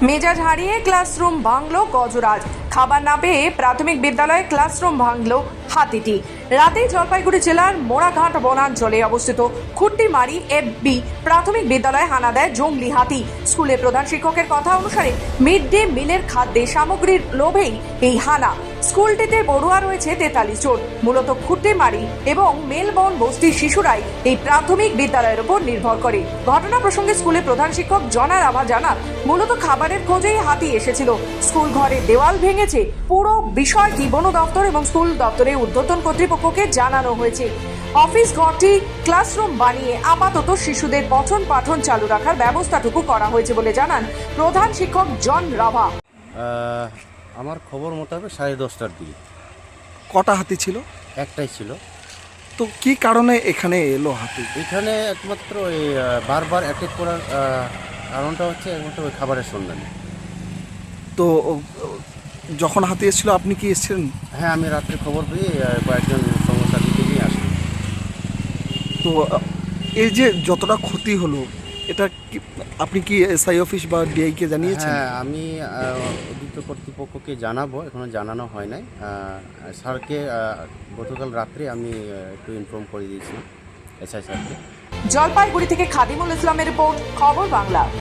মেজাজ হারিয়ে ক্লাসরুম ভাঙল গজরাজ। খাবার না পেয়ে প্রাথমিক বিদ্যালয়ে ক্লাসরুম ভাঙল হাতিটি। রাতে জলপাইগুড়ি জেলার মোড়াঘাট বনাঞ্চলে অবস্থিত খুট্টিমারি FB প্রাথমিক বিদ্যালয়ে হানা দেয় জঙ্গলি হাতি। স্কুলের প্রধান শিক্ষকের কথা অনুসারে মিড ডে মিলের খাদ্যে সামগ্রীর লোভেই এই হানা। স্কুলটিতে পড়ুয়া রয়েছে 43 জন। মূলত খুট্টিমারি এবং মেলবন বস্তির শিশুরাই এই প্রাথমিক বিদ্যালয়ের উপর নির্ভর করে। ঘটনা প্রসঙ্গে স্কুলের প্রধান শিক্ষক জনা রাভা জানান, মূলত খাবারের খোঁজেই হাতি এসেছিল। স্কুল ঘরের দেওয়াল ভেঙেছে। পুরো বিষয়টি বন দপ্তর এবং স্কুল দপ্তরের ঊর্ধ্বতন কর্তৃপক্ষকে জানানো হয়েছে। অফিস ঘরটি ক্লাসরুম বানিয়ে আপাতত শিশুদের পঠন পাঠন চালু রাখার ব্যবস্থাটুকু করা হয়েছে বলে জানান প্রধান শিক্ষক জন রাভা। আমার খবর মোতাবেক 10:30টার দিকে কটা হাতি ছিল? একটাই ছিল। তো কি কারণে এখানে এলো হাতি? এখানে একমাত্র ওই বারবার অ্যাটাক করার কারণটা হচ্ছে একমাত্র ওই খাবারের সন্ধানে। তো যখন হাতি এসেছিল আপনি কি এসেছিলেন? হ্যাঁ, আমি রাত্রে খবর পেয়ে কয়েকজন সঙ্গসাথীকে নিয়ে আসি। তো এই যে যতটা ক্ষতি হলো, এটা কি আপনি কি SI অফিস বা DI-কে জানিয়েছেন? হ্যাঁ, আমি উদ্যুক্ত কর্তৃপক্ষকে জানাবো, এখনও জানানো হয় নাই। স্যারকে গতকাল রাত্রে আমি একটু ইনফর্ম করে দিয়েছিলাম SI স্যারকে। জলপাইগুড়ি থেকে খাদিমুল ইসলামের রিপোর্ট, খবর বাংলা।